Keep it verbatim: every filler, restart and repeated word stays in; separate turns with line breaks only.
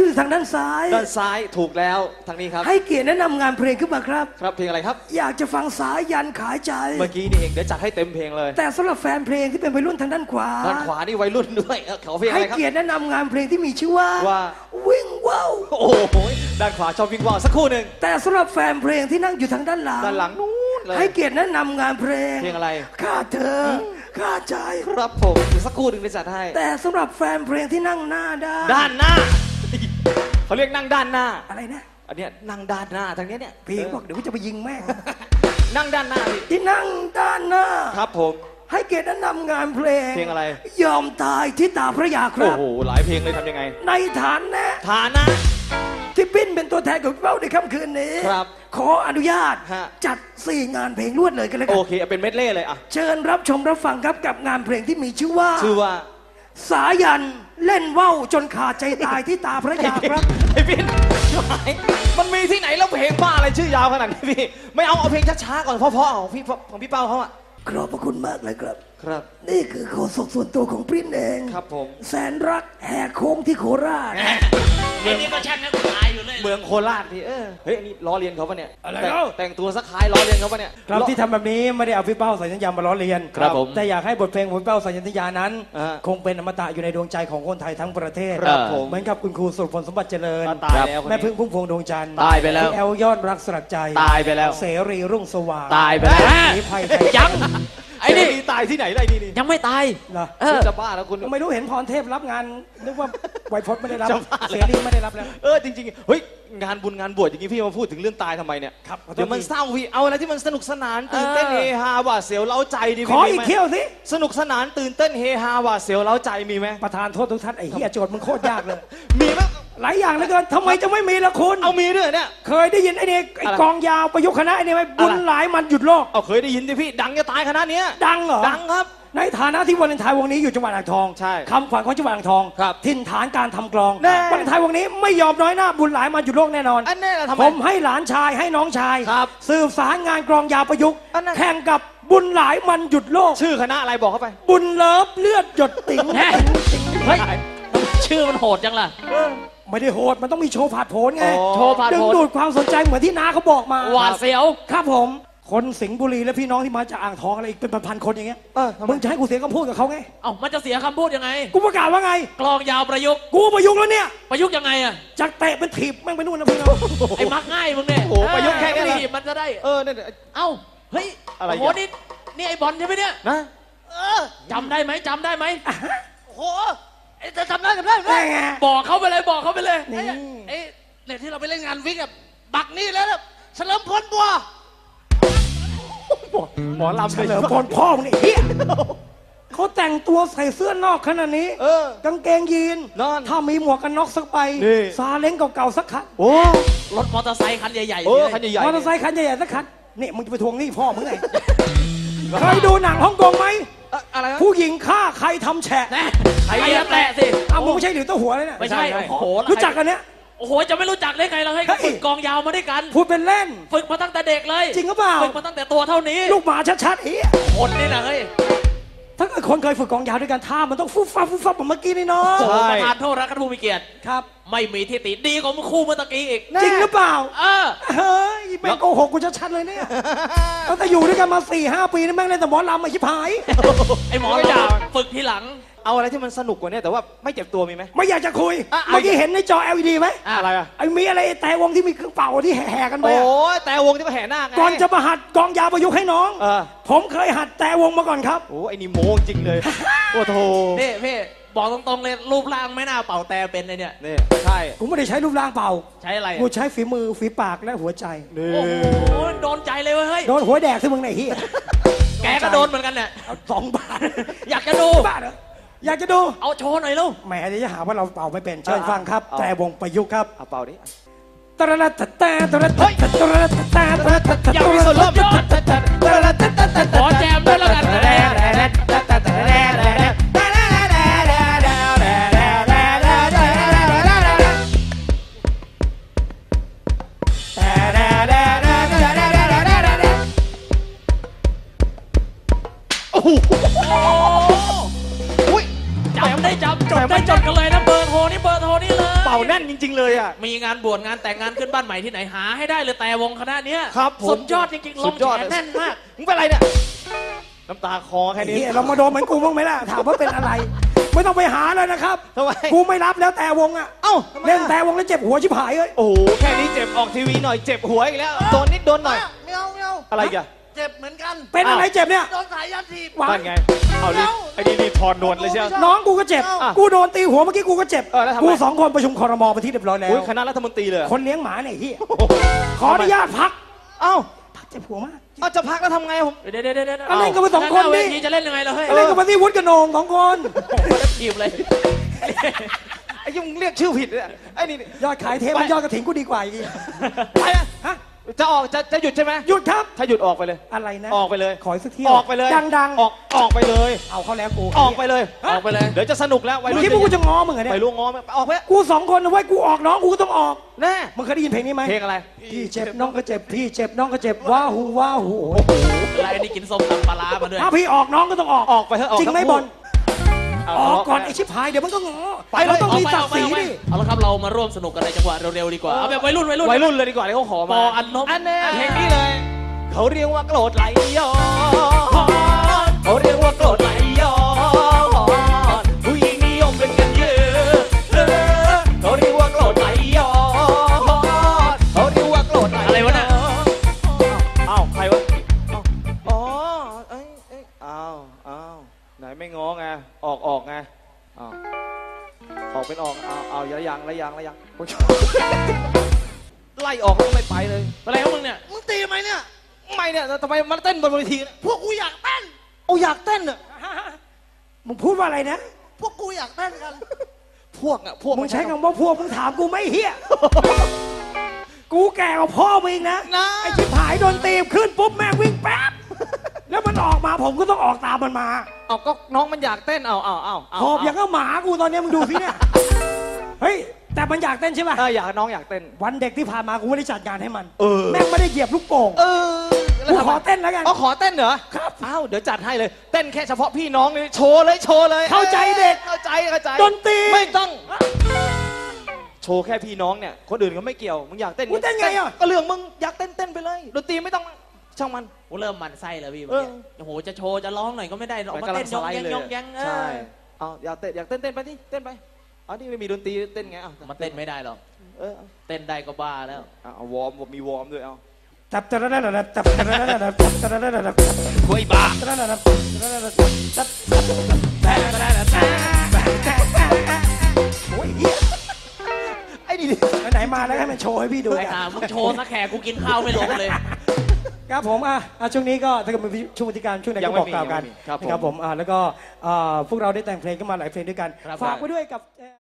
อยู่ทางด้านซ้าย
ด้านซ้ายถูกแล้วทางนี้ครับ
ให้เกียรติแนะนำงานเพลงขึ้นมาครับ
ครับเพลงอะไรครับ
อยากจะฟังสายันขายใจ
เมื่อกี้นี่เองเดี๋ยวจัดให้เต็มเพลงเลย
แต่สำหรับแฟนเพลงที่เป็นวัยรุ่นทางด้านขวา
ด้านขวานี่วัยรุ่นด้วยเขาเพลงอะไรครับ
ให้เกียรติแนะนำงานเพลงที่มีชื่อว่า
ว่า
วิ่งว่าว
โอ้โหด้านขวาชอบวิ่งว่าวสักครู่หนึ่ง
แต่สำหรับแฟนเพลงที่นั่งอยู่ทางด้านหลัง
ด้านหลังนู้นเลย
ให้เกียรติแนะนำงานเพลง
เพลงอะไร
ข้าเธอข้าใจ
ครับผมสักครู่หนึ่งได้จัดให้
แต่สำหรับแฟนเพลงที่นั่งหน้าด้าน
ด้านหน้าเขาเรียกนั่งด้านหน้า
อะไรนะ
อันนี้นั่งด้านหน้าทางนี้เนี่ย
พี่บอกเดี๋ยวจะไปยิงแม่
นั่งด้านหน้า
ที่นั่งด้านหน้า
ครับผม
ให้เกียรติแนะนำงานเพลง
เพลงอะไร
ยอมตายที่ตาพระยาครับ
โอ้โหหลายเพลงเลยทำยังไง
ในฐานนะ
ฐานะ
ที่ปิ้นเป็นตัวแทนของเราในค่ำคืนนี้
ครับ
ขออนุญาตจัดสี่งานเพลงรวดเลยกันเลยกัน
โอเคเป็นเมดเล่เลยอ่ะ
เชิญรับชมรับฟังครับกับงานเพลงที่มีชื่อว่า
ชื่อว่า
สายันเล่นว่าวจนขาดใจตายที่ตาพระยาครับ
ไอ้พี่มันมีที่ไหนแล้วเพลงบ้าอะไรชื่อยาวขนาดนี้พี่ไม่เอาเอาเพลงช้าๆก่อนเพราะๆของพี่ของพี่เป้าเขาอ่ะ
ขอบพระคุณมากเลยครับ
ครับ
นี่คือโฆษกส่วนตัวของปริ้นเอง
ครับผม
แสนรักแหกโค้งที่โคราช
ไอ้นี่ก็ช่างนักตายอยู่เลย
เมืองโคราชพี่เออเฮ้ยนี่ล้อเลียนเขาปะเนี่ย
อะไรเล่า
แต่งตัวสักคล้ายล้อเลียนเขาปะเนี่ย
ครับที่ทำแบบนี้ไม่ได้เอาพี่เป้าสายัญญามาล้อเลียน
ครับผม
แต่อยากให้บทเพลงของพี่เป้าสายัญญานั้นคงเป็นอมตะอยู่ในดวงใจของคนไทยทั้งประเทศเหมือนกับคุณครูสุรพลสมบัติเจริญแม่พึ่งพุ่มพวงดวงจันทร์
ตายไปแล้ว
แอลยอดรักสลักใจ
ตายไปแล้ว
เสรีรุ่งสว่าง
ตายไปแล้ว
สีไพไทย
ยังไอ้นี่ตายที่ไหนไรนี่
ยังไม่ตาย
เหรอ
จะบ้าแล้วคุณ
ไม่รู้เห็นพรเทพรับงานนึกว่าไวพจน์ไม่ได้รับเสรีไม่ได้รับแล้ว
เออจริงๆเฮ้ยงานบุญงานบวชอย่างนี้พี่มาพูดถึงเรื่องตายทำไมเนี่ย
ครับ
เดี๋ยวมันเศร้าพี่เอาอะไรที่มันสนุกสนานตื่นเต้นเฮฮาหวาดเสียวเล้าใจดี
ขออีกเที่ยวสิ
สนุกสนานตื่นเต้นเฮฮาหวาดเสียวเล้าใจมีไหม
ประธานโทษทุกท่านไอ้เหี้ยโจทย์มึงโคตรยากเลย
มีไหม
หลายอย่างเหลือเกินทำไมจะไม่มีละคุณ
เอามีด้วยเนี่ย
เคยได้ยินไอ้นี่ไอ้กองยาวประยุกต์คณะไอ้นี่ไหมบุญหลายมันหยุดโลก
เอาเคยได้ยินดิพี่ดังจะตายคณะนี้
ดังเหรอ
ดังครับ
ในฐานะที่วาเลนไทน์วงนี้อยู่จังหวัดอ่างทอง
ใช่
คำขวัญของจังหวัดอ่างทองถิ่นฐานการทำกลองวาเลนไทน์วงนี้ไม่ยอมน้อยหน้าบุญหลายมันหยุดโลกแน่นอนผมให้หลานชายให้น้องชายสืบสารงานกลองยาวประยุกต์แข่งกับบุญหลายมันหยุดโลก
ชื่อคณะอะไรบอกเข้าไป
บุญเลิฟเลือดหยดติ๋ง
เฮ้ยชื่อมันโหดจังล่ะ
ไม่ได้โหดมันต้องมีโชว์ผาดโผนไง
โชว์ผาดโผน
ดึงดูดความสนใจเหมือนที่น้าเขาบอกมา
หวาดเสียว
ครับผมคนสิงห์บุรีและพี่น้องที่มาจากอ่างทองอะไรอีกเป็นพันคนอย่างเงี้ยมึงจะให้กูเสียคำพูดกับเขาไง
เอ้ามันจะเสียคำพูดยังไง
กูประกาศว่าไง
กลองยาวประยุกต์
กูประยุกต์แล้วเนี่ย
ประยุกต์ยังไงอะ
จากเตะเป็นถีบแม่งไปนู่นนะพี่น้อง
ไอ้มักง่ายมึงเนี่ย
โอ้ประยุกต์แค่นี้
ถีบมันจะได้
เออเนี่ย
เอ้าเฮ้ยโอ้โหนี่นี่ไอ้บอลใช่ไหมเนี่ย
นะ
เออจำได้ไหมจำได้ไหม
โอ้
โหจะจำได้จำได้บอกเขาไปเลยบอกเขาไปเลยไอ้เนี่ยที่เราไปเล่นงานวิกกับบักนี่แล้วเฉลิมพลบัว
หมอลำเฉลิมพลพ่อมึงนี่เฮียเขาแต่งตัวใส่เสื้อนอกขนาดนี้กางเกงยีนถ้ามีหมวกกันน็อกสักใบซาเล้งเก่าๆสักคัน
โอ้
รถมอเตอร์ไซค์คันใหญ่ๆ
โอ้คันใหญ่ๆ
มอเตอร์ไซค์คันใหญ่ๆสักคันนี่มึงจะไปทวงหนี้พ่อมึงไงเคยดูหนังฮ่องกงไหมผู้หญิงฆ่าใครทำแฉะ
ใครแตะสิ
อ้าวมึงไม่ใช่หรือตัวหัวเลยเนี่ย
ไม่ใช่โอ้โห
รู้จักกันเนี้ย
โอ้โหจะไม่รู้จักได้ไงเราให้ฝึกกองยาวมาด้วยกัน
พูดเป็นเล่น
ฝึกมาตั้งแต่เด็กเลย
จริงหรือเปล่า
ฝึกมาตั้งแต่ตัวเท่านี้
ลูกหมาชัดๆเฮ้ย
คนนี่นะเฮ้ย
ถ้าเกิดคนเคยฝึกกองยาวด้วยกันท่ามันต้องฟุบฟับฟุบฟับแบบเมื่อกี้นี่เนาะ
ประธานโทษรักผู้มีเกียรติ
ครับ
ไม่มีที่ติดีของคู่เมื่อกี้อีก
จริงหรือเปล่า
เออ
เฮ้ยแม่งโกหกกูชัดๆเลยเนี่ยตั้งแต่อยู่ด้วยกันมาสี่ห้าปีนี่แม่งเล่นแต่หมอลำมาชิบหาย
ไอ้หมอลำฝึกทีหลัง
เอาอะไรที่มันสนุกกว่านี้แต่ว่าไม่เจ็บตัวมีไหม
ไม่อยากจะคุยเมื่อกี้เห็นในจอ แอล อี ดี ไหม
อะไรอะ
ไอ้มีอะไรแต่วงที่มีเครื่องเป่าที่แห่กันไป
โอ้แต่วงที่มาแห่หน้าไง
ก่อนจะมาหัดกองยาวประยุกต์ให้น้องผมเคยหัดแต่วงมาก่อนครับ
โอ้ไอ้นี่โมงจริงเลยโอ้โห
นี่พี่บอกตรงๆเลยรูปร่างไม่น่าเป่าแต่เป็นเลยเนี่ย
นี่ใช่
กูไม่ได้ใช้รูปร่างเป่า
ใช้อะไร
กูใช้ฝีมือฝีปากและหัวใจ
โอ้โหโดนใจเลยเฮ้ย
โดนหัวแดกที่มึงไหนเฮีย
แกก็โดนเหมือนกันเนี่ย
สองบาท
อยากจะดู
บ้าเหรออยากจะดู
เอาโชว์หน่อยลูก
แหมจะหาว่าเราเป่าไม่เป็นเชิญฟังครับแต่วงประยุกต์ครับ
เอาเป่าดิ
ตระตะตะตระตะตระตะตะตระตะตะ
ยังมีส่วนร่วมขอแจมด้วยแล้วกัน
โอ้โห
จำได้จำจดได้จดกันเลยนะเบอร์โทรนี่เบอร์โทรนี่เลย
ป่าแน่นจริง ๆ เลยอ่ะ
มีงานบวชงานแต่งงานขึ้นบ้านใหม่ที่ไหนหาให้ได้เลยแต่วงคณะเนี้ย
ครับผม
สุดยอดจริงๆล
สุ
ง
ดยอด
แขนแน่นมาก
มึงเป็นอะไรเนี่ยน้ำตาคอแค่นี้
เฮียเรามาโดนเหมือนกูบ้างไหมล่ะถามว่าเป็นอะไร ไม่ต้องไปหาเลยนะครับ
ทำไม
กูไม่รับแล้วแต่วงอ่ะ
เอ้าทำไมอะ
เล่นแต่วงแล้วเจ็บหัวชิบหายเลย
โอ้โหแค่นี้เจ็บออกทีวีหน่อยเจ็บหัวอีกแล้วโดนนิดโดนหน่อย
ไม่เอาไม่เอา
อะไรอีกัน
เจ็บเหมือนกัน
เป็นอะไรเจ็บเนี่ย
โดนสายยันถีบ
วาง
นั่นไงเอาดิไอ้นี่รีบถอนนวลเลยเชียว
น้องกูก็เจ็บ
อ่ะ
กูโดนตีหัวเมื่อกี้กูก็เจ็บ
เออแล้วทำไง
กูสองคนประชุมครมไปที่เรียบร้อยแล้ว
อุ้ยคณะรัฐมนตรีเลยเหรอ
คนเลี้ยงหมาเนี่ยเฮีย
โอ้โห
ขออนุญาตพัก
เอ้า
พักเจ็บหัวมาก
เอาจะพักแล้วทำไงผม
เดี๋ยวเดี๋ยวเดี๋ยวเดี๋ยว
เอาเล่นกันไปสองคนดิ
เวทีจะเล่นยังไงล่ะเฮ้ย
เล่นกับมาที่วุฒิกระโหนงสองคน
ถีบเลย
ไอ้ยุ่งเรียกชื่อผิดเลยไอ้นี่
ยอดขายเทปมันยอดกระถิ่นกูดีกว่าอีก
ไปอะ
ฮะ
จะออกจะจะหยุดใช่ไหม
หยุดครับ
ถ้าหยุดออกไปเลย
อะไรนะ
ออกไปเลย
ขออีกสักเที่ยว
ออกไปเลย
ดังๆ
ออกออกไปเลย
เอาเขาแล้วกู
ออกไปเลย
ออกไปเลย
เดี๋ยวจะสนุกแล้ววัย
เมื่
รุ่
อน กี้พวกกูจะง้อมึงเหรอเนี่ย
ไปล่วงง้อไหมออกไป
กูสองคนนะเว้ยกูออกน้องกูก็ต้องออก
แน่
มึงเคยได้ยินเพลงนี้ไหม
เพลงอะไร
พี่เจ็บน้องก็เจ็บพี่เจ็บน้องก็เจ็บว้าหูว้าหูโอ้โห
อะไรนี่กินส้มตำปลาร้ามาด้วย
ถ้าพี่ออกน้องก็ต้องออก
ออกไปเถอะออก
จริงไหม
ทั้งคู่
บอล
เา
ออกก่อน
เา
ไอชิบหายเดี๋ยวมันก็ง้อ
ไปเลย
เราต้องมี
เาไป
ศักดิ์ศรี
เอาไป
ดิ
เอาละครับเรามาร่วมสนุกกันในจังหวะเร็วๆดีกว่าเอาแบบวัยรุ่นวัยรุ่น
วัยรุ่นเลยดีกว่าที่เขาขอ
ป
มา
ออันนบ
อันแน่เพลงนี้เลย เขาเรียกว่าโกรธไหลย้อนเขาเรียกว่าโกรธไหลย้อนผู้หญิงนิยมเป็นกันเยอะเออเขาเรียกว่าโกรธไหลย้อนเขาเรียกว่าโกรธไหลย้อน
อะไรวะน่ะ
อ้าวใครวะอ้าวอ๋อเอ้ยเอ้ยอ้าวอ้าวไหนไม่ง้อไงออกออกไงอ้าวออกเป็นออกเอาเอาระยังระยังระยังโอ๊ยไล่ออกแล้วไม่ไปเลย
อะไรของมึงเนี่ย
มึงตีไหมเนี่ย
ไม่เนี่ยทำไมมันเต้นบนเวทีเนี่ย
พวกกูอยากเต้น
โอ้อยากเต้นอ่ะ
มึงพูดว่าอะไรนะ
พวกกูอยากเต้นกัน
พวกอ่ะพวก
มึงใช้คำว่าพวกมึงถามกูไม่เฮียกูแก่กว่าพ่อมึงอีกนะ
นะ
ไอชิบหายโดนตีบขึ้นปุ๊บแม่งวิ่งแป๊บแล้วมันออกมาผมก็ต้องออกตามมันมา
เอาก็น้องมันอยากเต้นเอาเอาเอาเอา
หอบอย่างก็หมากูตอนเนี้ยมึงดูสิเนี่ยเฮ้ยแต่มันอยากเต้นใช่ป่ะ
เอออยากน้องอยากเต้น
วันเด็กที่ผ่านมากูไม่ได้จัดงานให้มัน
เออ
แม่งไม่ได้เหยียบลูกโป่ง
เออแล้ว
กู
ทำไม
ขอเต้นแล้วกัน
อ๋อขอเต้นเหรอ
ครับ
อ้าวเดี๋ยวจัดให้เลย เต้นแค่เฉพาะพี่น้องเลยโชว์เลยโชว์เลย
เข้าใจเด็ก
เข้าใจเข้าใจ
ดนตรี
ไม่ต้อง โชว์แค่พี่น้องเนี่ยคนอื่นก็ไม่เกี่ยวมึงอยากเต้น
มึงเต้นไงอ่ะ
ก็เรื่องมึงอยากเต้นเต้นไปเลยดนตรีไม่ต้องช่างมัน
กูเริ่มหมันไส้แล้วพี่
เออ
โอ้โหจะโชว์จะร้องหน่อยก็ไม่ได้ออกมา
กำลั
เต้นยองแยง
เลย
ยองแยงเอ
ใช่
อ
เอาอยากเต้นอยากเต้นเต้นไปที่เต้นไปเอานี่ไม่มีดนตรีเต้นไงเอา
มันเต้นไม่ได้หรอก
เออเอา
เต้นได้ก็บ้าแล้ว
เอาเอาวอร์มมีวอร์มด้วยเอา
จับจับจับจับจับจับจับจับจับจับจับ
คุยบ้า
จับจับจับจับโอ้ยเหี้ย
ไอ้นี่ดิ
ไหนๆมาแล้วให้มันโชว์ให้พี่ดู
ไอ้ห่ามึงโชว์สักแขกกูกินข้าวไม่ลงเลย
ครับผมอ่ะอ่ะช่วงนี้ก็ถ้าเกิดมีช่วงวิธีการช่วงไหนก็บอกกล่าวกัน
ครับผม
นะครับผมอ่ะแล้วก็อ่าพวกเราได้แต่งเพลงกันมาหลายเพลงด้วยกัน
ครับ
ฝากไว้ด้วยกับ